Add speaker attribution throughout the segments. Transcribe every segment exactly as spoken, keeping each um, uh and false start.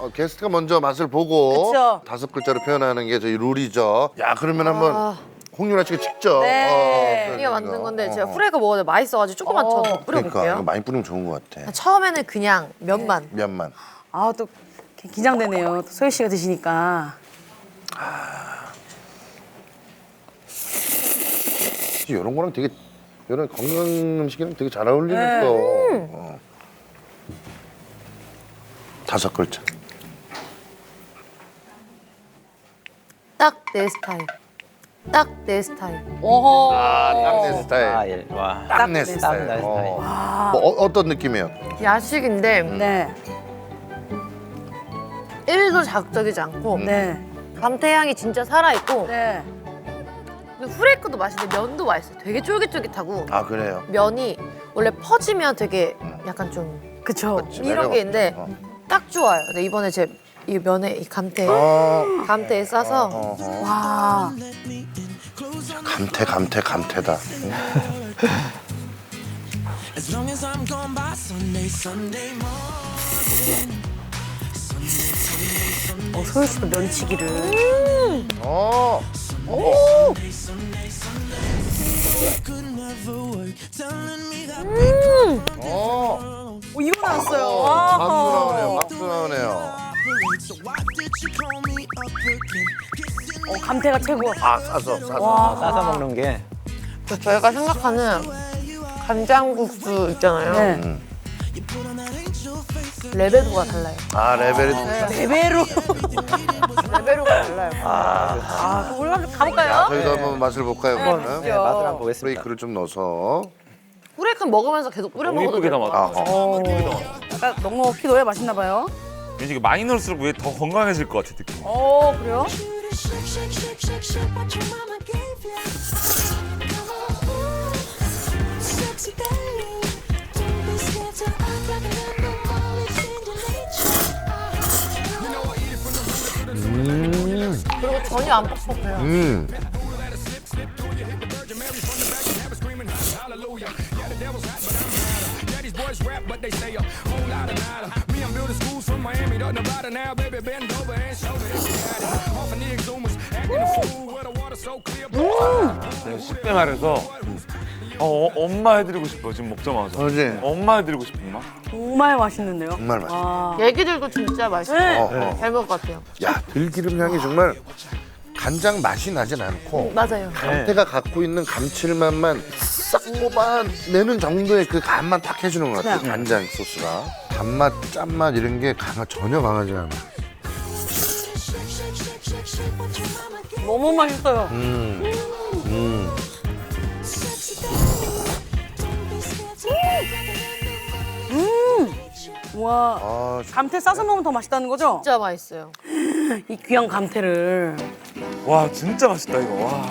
Speaker 1: 어, 게스트가 먼저 맛을 보고
Speaker 2: 그쵸.
Speaker 1: 다섯 글자로 표현하는 게 저희 룰이죠. 야 그러면 한번
Speaker 3: 아.
Speaker 1: 홍윤아 씨가 직접
Speaker 2: 네.
Speaker 1: 어,
Speaker 3: 이가 만든 건데
Speaker 1: 어,
Speaker 3: 제가
Speaker 1: 어.
Speaker 3: 후레이크 먹어도 맛있어가지고 조금만 더
Speaker 1: 그러니까
Speaker 3: 뿌려볼게요.
Speaker 1: 이거 많이 뿌리면 좋은 것 같아.
Speaker 3: 처음에는 그냥 면만.
Speaker 1: 면만.
Speaker 2: 아, 또 긴장되네요. 또 소희 씨가 드시니까.
Speaker 1: 이런 거랑 되게 이런 건강 음식이랑 되게 잘 어울리는
Speaker 2: 네.
Speaker 1: 거. 어. 다섯 글자.
Speaker 3: 딱 내 스타일. 딱 내 스타일.
Speaker 2: 오호.
Speaker 1: 딱 내 스타일.
Speaker 4: 아, 예. 와.
Speaker 1: 딱 내
Speaker 2: 내
Speaker 1: 스타일.
Speaker 4: 스타일.
Speaker 1: 어. 뭐 어, 어떤 느낌이에요?
Speaker 3: 야식인데
Speaker 2: 네.
Speaker 3: 일도 자극적이지 않고
Speaker 2: 네.
Speaker 3: 감태향이 진짜 살아있고
Speaker 2: 네.
Speaker 3: 그리고 후레이크도 맛있는데 면도 맛있어요. 되게 쫄깃쫄깃하고
Speaker 1: 아 그래요.
Speaker 3: 면이 원래 퍼지면 되게 약간 좀
Speaker 2: 그쵸.
Speaker 1: 그치,
Speaker 3: 이런
Speaker 1: 매력
Speaker 3: 게 있는데
Speaker 1: 없죠.
Speaker 3: 딱 좋아요. 근데 이번에 제 이 면에 이 감태
Speaker 1: 어.
Speaker 3: 감태에 싸서
Speaker 1: 어, 어.
Speaker 2: 와.
Speaker 1: 감태 감태 감태다.
Speaker 5: As long as I'm gone by Sunday, Sunday morning.
Speaker 2: 어, 소희 씨도 면치기를.
Speaker 1: 어.
Speaker 5: Could never work. Telling me that
Speaker 1: 어.
Speaker 2: 오, 이거 나왔어요.
Speaker 1: 어,
Speaker 2: 와.
Speaker 1: 박수 나오네요. 박수 나오네요.
Speaker 5: so why did you call me up again? Kissing
Speaker 2: 어, 감태가 최고.
Speaker 1: 아 싸서 싸서.
Speaker 2: 와.
Speaker 4: 싸서 먹는 게.
Speaker 3: 그 저희가 생각하는 간장국수 있잖아요.
Speaker 2: 네.
Speaker 3: 레벨도가 달라요.
Speaker 1: 아 레벨이 높다.
Speaker 2: 레벨로.
Speaker 3: 레벨도가 달라요.
Speaker 2: 아, 그럼 올라 가볼까요?
Speaker 1: 자, 저희도 한번 맛을 볼까요? 그러면
Speaker 4: 네, 맛을 한번 보겠습니다.
Speaker 1: 브레이크를 좀 넣어서.
Speaker 3: 후레이크 먹으면서 계속 뿌려
Speaker 6: 너무
Speaker 3: 먹어도
Speaker 6: 예쁘게
Speaker 3: 돼요.
Speaker 6: 담았다.
Speaker 1: 아, 어.
Speaker 2: 약간 넉넉히 넣어야 맛있나 봐요.
Speaker 6: 왠지 이게 많이 넣을수록 왜 더 건강해질 것 같아 느낌.
Speaker 2: 어, 그래요?
Speaker 5: shake, shake, shake, shake, shake what your mama gave you. Sexy darling, don't be scared to act like an animal. It's in your nature.
Speaker 3: 그리고 전혀 안 뻑뻑해요.
Speaker 1: 음.
Speaker 6: 내가 쉽게 말해서 어, 어, 엄마 해드리고 싶어 지금 먹자마자.
Speaker 1: 그렇지.
Speaker 6: 엄마 해드리고 싶은 맛.
Speaker 2: 정말 맛있는데요?
Speaker 1: 정말 맛있어.
Speaker 2: 와.
Speaker 3: 얘기들도 진짜 맛있어요.
Speaker 2: 네.
Speaker 1: 어, 어.
Speaker 3: 잘 먹을 것 같아요.
Speaker 1: 야 들기름 향이 정말 간장 맛이 나진 않고
Speaker 3: 맞아요.
Speaker 1: 감태가 갖고 있는 감칠맛만 싹 뽑아내는 정도의 그 간만 딱 해주는 것 같아요.
Speaker 2: 네.
Speaker 1: 간장 소스가 단맛, 짠맛 이런 게 강하, 전혀 강하지 않아.
Speaker 2: 너무 맛있어요.
Speaker 1: 음, 음.
Speaker 2: 와.
Speaker 1: 아,
Speaker 2: 감태 싸서 먹으면 더 맛있다는 거죠?
Speaker 3: 진짜 맛있어요.
Speaker 2: 이 귀한 감태를.
Speaker 6: 와 진짜 맛있다 이거. 와.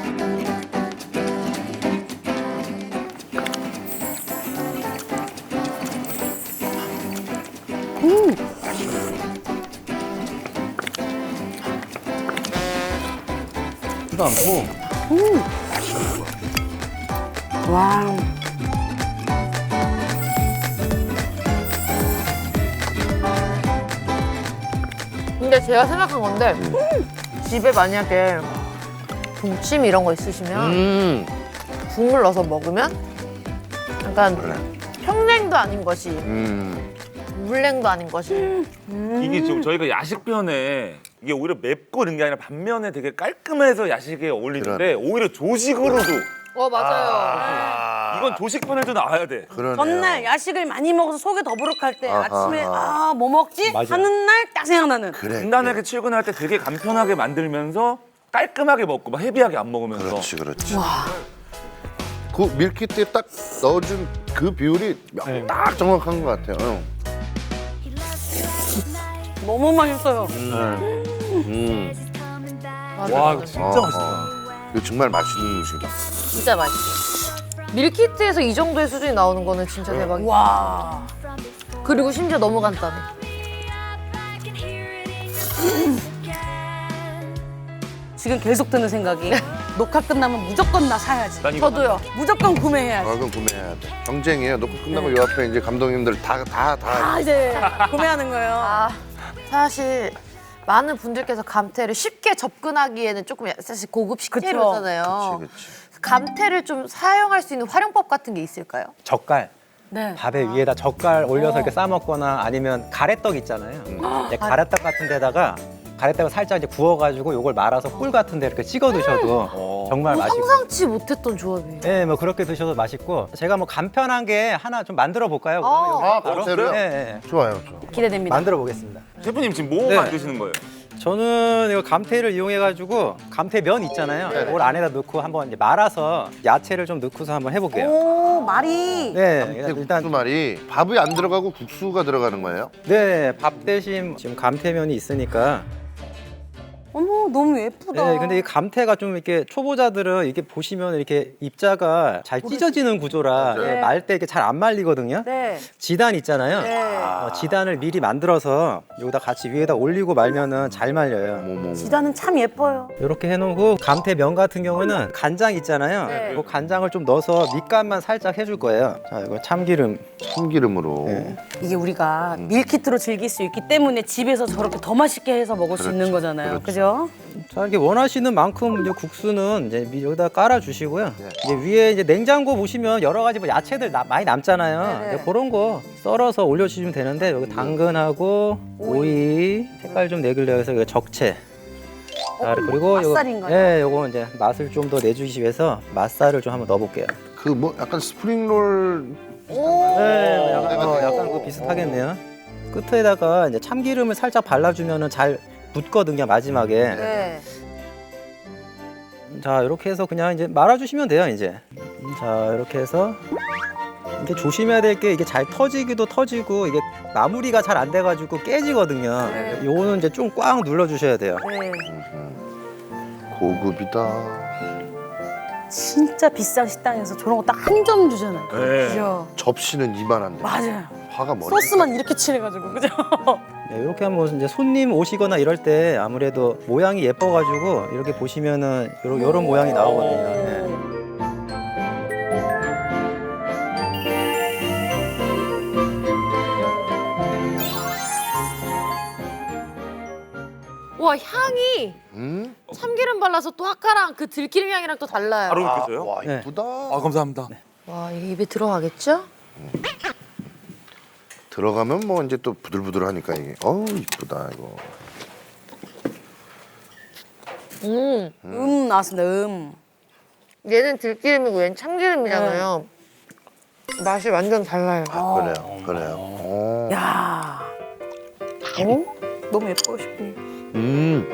Speaker 1: 크지도 않고.
Speaker 2: 와.
Speaker 3: 근데 제가 생각한 건데 집에 만약에 동치미 이런 거 있으시면
Speaker 1: 음,
Speaker 3: 국물 넣어서 먹으면 약간
Speaker 1: 그래.
Speaker 3: 평냉도 아닌 것이
Speaker 1: 음.
Speaker 3: 물냉도 아닌 것이
Speaker 6: 이게 지금 저희가 야식 편에 이게 오히려 맵고 이런 게 아니라 반면에 되게 깔끔해서 야식에 어울리는데 오히려 조식으로도
Speaker 3: 어 맞아요.
Speaker 1: 아,
Speaker 6: 이건 조식 편에도 나와야 돼.
Speaker 1: 그러네요.
Speaker 2: 전날 야식을 많이 먹어서 속이 더부룩할 때
Speaker 1: 아하,
Speaker 2: 아침에
Speaker 1: 아하.
Speaker 2: 아 뭐 먹지?
Speaker 4: 맞아.
Speaker 2: 하는 날 딱 생각나는.
Speaker 1: 그래.
Speaker 6: 간단하게 출근할 때 되게 간편하게 만들면서 깔끔하게 먹고 막 헤비하게 안 먹으면서.
Speaker 1: 그렇지, 그렇지. 그 밀키트에 딱 넣어준 그 비율이 딱 정확한 것 같아요. 응.
Speaker 2: 너무 맛있어요.
Speaker 1: 음.
Speaker 6: 와 이거 진짜
Speaker 1: 어,
Speaker 6: 맛있다.
Speaker 1: 어. 이거 정말 맛있는 음식이다.
Speaker 3: 진짜 맛있어요. 밀키트에서 이 정도의 수준이 나오는 거는 진짜 대박이에요.
Speaker 2: 와.
Speaker 3: 그리고 심지어 너무 간단해.
Speaker 2: 지금 계속 드는 생각이 녹화 끝나면 무조건 나 사야지.
Speaker 6: 난 이거
Speaker 3: 저도요.
Speaker 2: 무조건 구매해야지.
Speaker 1: 아, 그럼 구매해야 돼. 경쟁이에요. 녹화 끝나고 요 앞에 이제 감독님들 다, 다, 다.
Speaker 2: 아 이제 구매하는 거예요.
Speaker 3: 아 사실 많은 분들께서 감태를 쉽게 접근하기에는 조금 사실 고급 식재료잖아요.
Speaker 1: 그치, 그치.
Speaker 3: 감태를 좀 사용할 수 있는 활용법 같은 게 있을까요?
Speaker 4: 젓갈.
Speaker 2: 네.
Speaker 4: 밥에 위에다 젓갈 올려서 이렇게 싸 먹거나 아니면 가래떡 있잖아요. 이제 가래떡 같은 데다가 가래떡을 살짝 이제 구워가지고 이걸 말아서 꿀 같은 데 이렇게 찍어 드셔도 정말
Speaker 3: 어,
Speaker 4: 맛있고.
Speaker 3: 상상치 못했던 조합이에요.
Speaker 4: 네, 뭐 그렇게 드셔도 맛있고. 제가 뭐 간편한 게 하나 좀 만들어 볼까요?
Speaker 3: 어.
Speaker 1: 아,
Speaker 4: 바로?
Speaker 1: 감태로요?
Speaker 4: 네, 네.
Speaker 1: 좋아요, 좋아.
Speaker 2: 기대됩니다.
Speaker 4: 만들어 보겠습니다.
Speaker 6: 셰프님 지금 뭐
Speaker 4: 네.
Speaker 6: 만드시는 거예요?
Speaker 4: 저는 이거 감태를 이용해가지고 감태면 있잖아요. 그걸 안에다 넣고 한번 이제 말아서 야채를 좀 넣고서 한번 해볼게요.
Speaker 2: 오, 말이.
Speaker 4: 네,
Speaker 1: 국수
Speaker 4: 일단
Speaker 1: 말이 밥이 안 들어가고 국수가 들어가는 거예요?
Speaker 4: 네, 밥 대신 지금 감태면이 있으니까.
Speaker 2: 어머, 너무 예쁘다.
Speaker 4: 네, 근데 이 감태가 좀 이렇게 초보자들은 이렇게 보시면 이렇게 입자가 잘 찢어지는 구조라
Speaker 1: 네.
Speaker 4: 말 때 이렇게 잘 안 말리거든요.
Speaker 2: 네.
Speaker 4: 지단 있잖아요.
Speaker 2: 네.
Speaker 4: 어, 지단을 미리 만들어서 여기다 같이 위에다 올리고 말면은 잘 말려요.
Speaker 1: 어머머.
Speaker 2: 지단은 참 예뻐요.
Speaker 4: 이렇게 해놓고 감태면 같은 경우는 간장 있잖아요.
Speaker 2: 네.
Speaker 4: 그 간장을 좀 넣어서 밑간만 살짝 해줄 거예요. 자, 이거 참기름.
Speaker 1: 참기름으로.
Speaker 4: 네.
Speaker 2: 이게 우리가 밀키트로 즐길 수 있기 때문에 집에서 저렇게 더 맛있게 해서 먹을 수 있는 거잖아요. 그죠?
Speaker 4: 자, 이렇게 원하시는 만큼 이제 국수는 이제 미- 여기다 깔아 주시고요.
Speaker 1: 네.
Speaker 4: 이제 위에 이제 냉장고 보시면 여러 가지 뭐 야채들 나- 많이 남잖아요.
Speaker 2: 네네.
Speaker 4: 이제 그런 거 썰어서 올려주시면 되는데 여기 당근하고 오이, 색깔 좀 내기려 해서 이거 적채. 자, 그리고 요거-
Speaker 2: 맛살인가요?
Speaker 4: 네, 요거 이제 맛을 좀 더 내주시기 위해서 맛살을 좀 한번 넣어볼게요.
Speaker 1: 그 뭐 약간 스프링롤
Speaker 4: 네, 약간,
Speaker 1: 내가
Speaker 4: 어,
Speaker 1: 되게-
Speaker 4: 약간 그거 비슷하겠네요. 끝에다가 이제 참기름을 살짝 발라주면은 잘 붙거든요, 마지막에.
Speaker 3: 네.
Speaker 4: 자, 이렇게 해서 그냥 이제 말아주시면 돼요, 이제. 자, 이렇게 해서 이게 조심해야 될 게 이게 잘 터지기도 터지고 이게 마무리가 잘 안 돼가지고 깨지거든요.
Speaker 2: 네.
Speaker 4: 요거는 이제 좀 꽉 눌러주셔야 돼요.
Speaker 2: 네.
Speaker 1: 고급이다.
Speaker 2: 진짜 비싼 식당에서 저런 거 딱 한 점 주잖아요.
Speaker 6: 네.
Speaker 2: 그죠?
Speaker 1: 접시는 이만한데.
Speaker 2: 맞아요.
Speaker 1: 화가 머리.
Speaker 2: 소스만 이렇게 칠해가지고, 그죠?
Speaker 4: 네, 이렇게 하면 이제 손님 오시거나 이럴 때 아무래도 모양이 예뻐가지고 이렇게 보시면은 요런, 요런 모양이 나오거든요. 네.
Speaker 3: 와 향이
Speaker 1: 음?
Speaker 3: 참기름 발라서 또 아까랑 그 들기름 향이랑 또 달라요.
Speaker 6: 바로
Speaker 1: 아,
Speaker 6: 느껴져요?
Speaker 1: 와,
Speaker 4: 네.
Speaker 1: 이쁘다.
Speaker 6: 아 감사합니다.
Speaker 3: 와 이게 입에 들어가겠죠?
Speaker 1: 들어가면 뭐 이제 또 부들부들하니까 이게. 어우, 이쁘다 이거.
Speaker 3: 음
Speaker 2: 음, 나왔습니다, 음.
Speaker 3: 얘는 들기름이고 얘는 참기름이잖아요. 맛이 완전 달라요.
Speaker 1: 아, 그래요, 그래요. 어.
Speaker 2: 야. 어? 너무 예뻐요, 싶니?
Speaker 1: 음.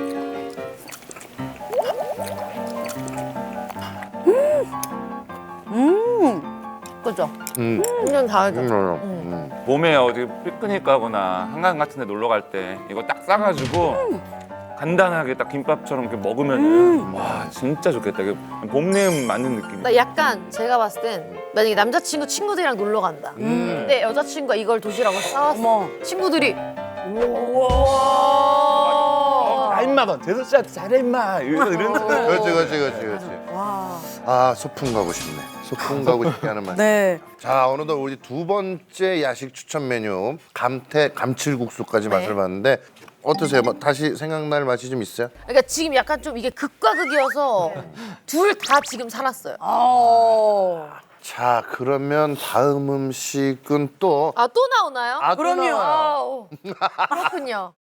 Speaker 2: 음.
Speaker 3: 그죠?
Speaker 1: 음.
Speaker 3: 완전 다르죠?
Speaker 1: 음. 음.
Speaker 6: 봄에 어디 피크닉 가거나 한강 같은 데 놀러 갈 때 이거 딱 싸가지고 간단하게 딱 김밥처럼 이렇게 먹으면은 와 진짜 좋겠다. 이게 봄내음 맞는 느낌.
Speaker 3: 나 약간 제가 봤을 땐 만약에 남자친구 친구들이랑 놀러 간다. 근데 여자친구가 이걸 도시락을 싸왔어.
Speaker 2: 어머.
Speaker 3: 친구들이
Speaker 6: 아 임마 대선 씨한테 잘해 임마 이런 이런
Speaker 1: 그렇지, 그렇지, 그렇지, 그렇지.
Speaker 2: 와.
Speaker 1: 아, 소풍 가고 싶네. 소풍 가고 싶게 하는 말.
Speaker 2: 네.
Speaker 1: 자, 어느덧 우리 두 번째 야식 추천 메뉴 감태 감칠국수까지
Speaker 3: 네.
Speaker 1: 맛을 봤는데 어떠세요? 뭐 다시 생각날 맛이 좀 있어요?
Speaker 3: 그러니까 지금 약간 좀 이게 극과 극이어서 둘 다 지금 살았어요.
Speaker 2: 어.
Speaker 1: 자, 그러면 다음 음식은 또
Speaker 3: 아 또 나오나요?
Speaker 1: 아, 또
Speaker 2: 그럼요.
Speaker 1: 나와요.
Speaker 3: 아우, 그렇군요.